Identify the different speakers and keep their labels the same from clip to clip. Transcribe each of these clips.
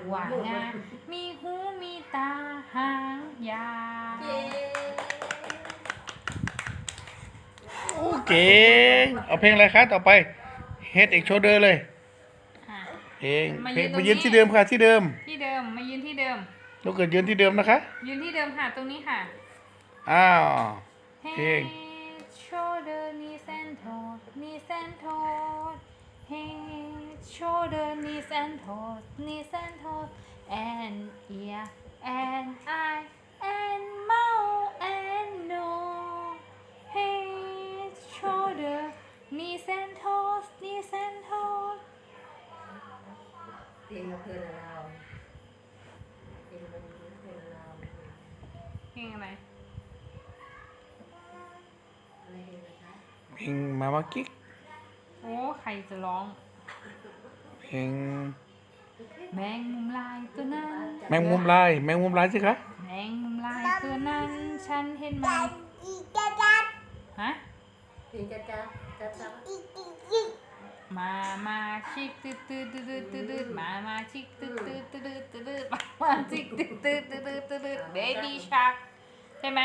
Speaker 1: ว่างามีหูมีตาหางยาว
Speaker 2: โอเคเอาเพลงอะไรคะต่อไป Head and Shoulder เลย
Speaker 1: อ่ะ
Speaker 2: มายืนที่เดิมค่ะที่เดิม
Speaker 1: ที่เดิมมายืนที่เดิม
Speaker 2: ลูกเกิดยืนที่เดิมนะคะ
Speaker 1: ยืนที่เดิมค่ะตรงนี้ค่ะ
Speaker 2: อ้าวเพลง
Speaker 1: Head shoulder knees and toes knees and toes Head shoulder knees and toes knees and toes and ear and eye and mouth and nose Head shoulder knees and toes knees and toes
Speaker 3: เพลงเพลินเราเพลงมันเพลินเรา
Speaker 1: เพลงอะไร
Speaker 3: อะไรเพลงนะคะ
Speaker 2: เพลงมามากิ๊ก
Speaker 1: โอ้ใครจะร้อง
Speaker 2: เพลง
Speaker 1: แมงมุมลายตัวนั้น
Speaker 2: แมงมุมลายสิคะ
Speaker 1: แมงมุมลายตัวนั้น ฉันเห็นมันฮะ
Speaker 3: เพลงจ้าจ้าจ้าจ้า
Speaker 1: มาชิกตืดตืดตืดตืดตืดมาชิกตืดตืดตืดตืดมาชิกตืดตืดตืดตืดเบบี้ชักใช่ไหม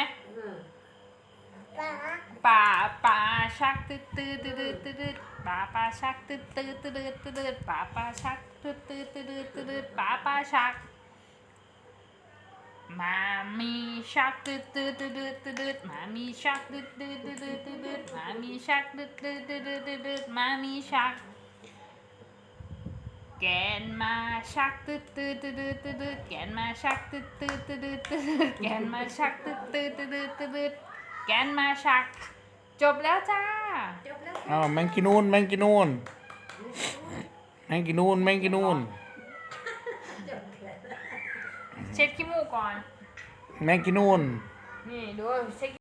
Speaker 1: ป่าชักตืดตืดตืดตืดป่าชักตืดตืดตืดตืดป่าชักตืดตืดตืดตืดป่าชักมามีชักตืดตืดตืดตืดมามีชักตืดตืดตืดตืดมามีชักตืดตืดตืดตืดมามีชักแกนมาชักตืดตืดตืดตืดแกนมาชักตืดตืดตืดตืดแกนมาชักตืดตืดตืดตืดแกนมาชักจบแล้วจ้า
Speaker 3: จบแล้ว
Speaker 2: อ้าวแมงกินูน
Speaker 3: จบแล้ว
Speaker 1: เช็ดขี้มูกก่อน
Speaker 2: แมงกินูน
Speaker 1: นี่ดูเช็ด